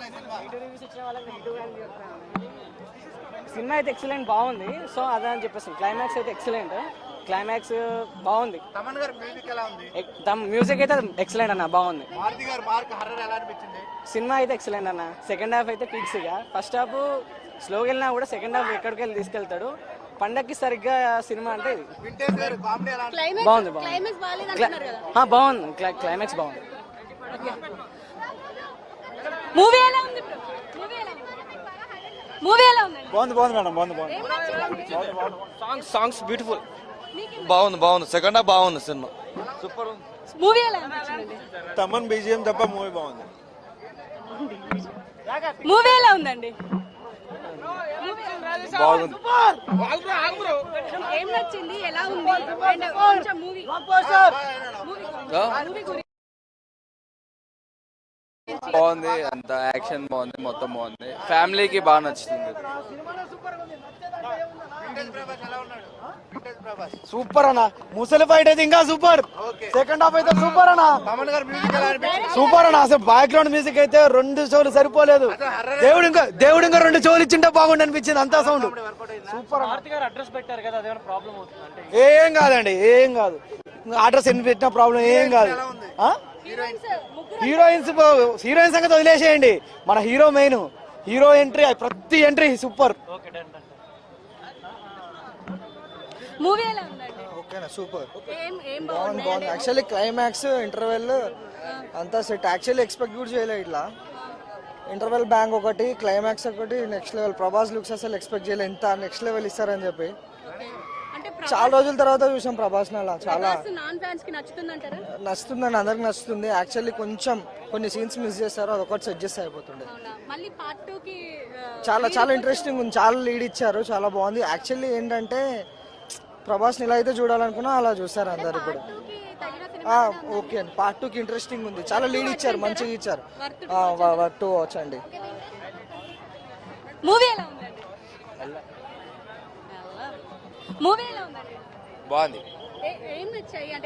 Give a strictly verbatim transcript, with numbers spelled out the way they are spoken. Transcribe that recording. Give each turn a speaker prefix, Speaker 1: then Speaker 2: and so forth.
Speaker 1: Cinema అయితే excellent బాగుంది. So అదే అని చెప్పేసి క్లైమాక్స్ అయితే ఎక్సలెంట్, క్లైమాక్స్ బాగుంది.
Speaker 2: తమన్ గారి మ్యూజిక్ ఎలా ఉంది?
Speaker 1: మ్యూజిక్ అయితే ఎక్సలెంట్ అన్న, బాగుంది.
Speaker 2: మారుతి గారి మార్క్ హర్రర్ ఎలా అనిపించింది?
Speaker 1: సినిమా అయితే ఎక్సలెంట్ అన్న. సెకండ్ హాఫ్ అయితే పీక్స్ గా, ఫస్ట్ హాఫ్ స్లోగా వెళ్ళినా కూడా సెకండ్ హాఫ్ ఎక్కడికి వెళ్ళి తీసుకెళ్తాడు. పండక్కి సరిగ్గా సినిమా అంటే ఇది
Speaker 2: వింటేజ్ గారి కామెడీ ఎలా
Speaker 1: బాగుంది. బాగుంది బాగుంది క్లైమాక్స్ బాగుంది.
Speaker 3: మూవీ ఎలా ఉంది? మూవీ ఎలా ఉంది?
Speaker 4: బాగుంది బాగుంది మేడం, బాగుంది బాగుంది.
Speaker 5: సాంగ్స్ సాంగ్స్ బ్యూటిఫుల్, బాగుంది బాగుంది. సెకండ్ హాఫ్ బాగుంది, సినిమా సూపర్ ఉంది.
Speaker 3: మూవీ ఎలా అనిపించింది?
Speaker 4: తమన్ బీజిఎం తప్ప మూవీ బాగుంది.
Speaker 3: మూవీ ఎలా ఉందండి?
Speaker 5: బాగుంది.
Speaker 3: ఏం నచ్చింది? ఎలా ఉంది? అండ్ కొంచెం మూవీ మూవీ గురించి
Speaker 5: బాగుంది, అంత యాక్షన్ బాగుంది, మొత్తం బాగుంది. ఫ్యామిలీకి బాగా నచ్చుతుంది.
Speaker 4: సూపర్ అన్న, ముసలి ఫైట్ అయితే ఇంకా సూపర్. సెకండ్ హాఫ్ అయితే సూపర్ అన్న.
Speaker 2: తమన్ గారి మ్యూజిక్ ఎలా అనిపించింది?
Speaker 4: సూపర్ అన్న, అసలు బ్యాక్గ్రౌండ్ మ్యూజిక్ అయితే రెండు షోలు సరిపోలేదు. దేవుడు ఇంకా దేవుడు ఇంకా రెండు షోలు ఇచ్చింటే బాగుండి అనిపించింది, అంతా సౌండ్ సూపర్.
Speaker 1: అడ్రస్ పెట్టారు కదా, అదేమైనా ప్రాబ్లం అవుతుంది?
Speaker 4: ఏం కాదండి, ఏం కాదు. అడ్రస్ ఎన్ని పెట్టిన ప్రాబ్లం ఏం కాదు. హీరోయిన్స్ హీరోయిన్ సంగతి వదిలేసేయండి, మన హీరో మెయిన్. హీరో ఎంట్రీ, ప్రతి ఎంట్రీ సూపర్.
Speaker 3: మూవీ ఎలా ఉందండి?
Speaker 6: ఓకేనా, సూపర్,
Speaker 3: ఏం ఏం
Speaker 6: బాగుంది బాగుంది. యాక్చువల్లీ క్లైమాక్స్ ఇంటర్వెల్ అంతా సెట్. యాక్చువల్లీ ఎక్స్పెక్ట్ కూడా చేయలేదు ఇట్లా. ఇంటర్వెల్ బ్యాంక్ ఒకటి, క్లైమాక్స్ ఒకటి, నెక్స్ట్ లెవెల్. ప్రభాస్ లుక్స్ అసలు ఎక్స్పెక్ట్ చేయలేదు, ఎంత నెక్స్ట్ లెవెల్ ఇస్తారని చెప్పి. చాలా రోజుల తర్వాత చూసాం ప్రభాస్ అలా. చాలా నచ్చుతుందండి, అందరికి నచ్చుతుంది. యాక్చువల్లీ కొంచెం కొన్ని సీన్స్ మిస్ చేస్తారు, అదొకటి సెట్ చేస్తే అయిపోతుండే. చాలా చాలా ఇంట్రెస్టింగ్ ఉంది, చాలా లీడ్ ఇచ్చారు, చాలా బాగుంది. యాక్చువల్లీ ఏంటంటే ప్రభాస్ని ఎలా అయితే చూడాలనుకున్నా అలా చూస్తారు అందరు ఇప్పుడు. ఓకే అండి, పార్ట్ టూకి ఇంట్రెస్టింగ్ ఉంది, చాలా లీడ్ ఇచ్చారు, మంచిగా ఇచ్చారు. టూ వచ్చండి.
Speaker 3: మూవీ ఎలా ఉందండి? మూవీ ఎలా ఉందండి?
Speaker 5: బాగుంది.
Speaker 3: ఏం నచ్చాయి?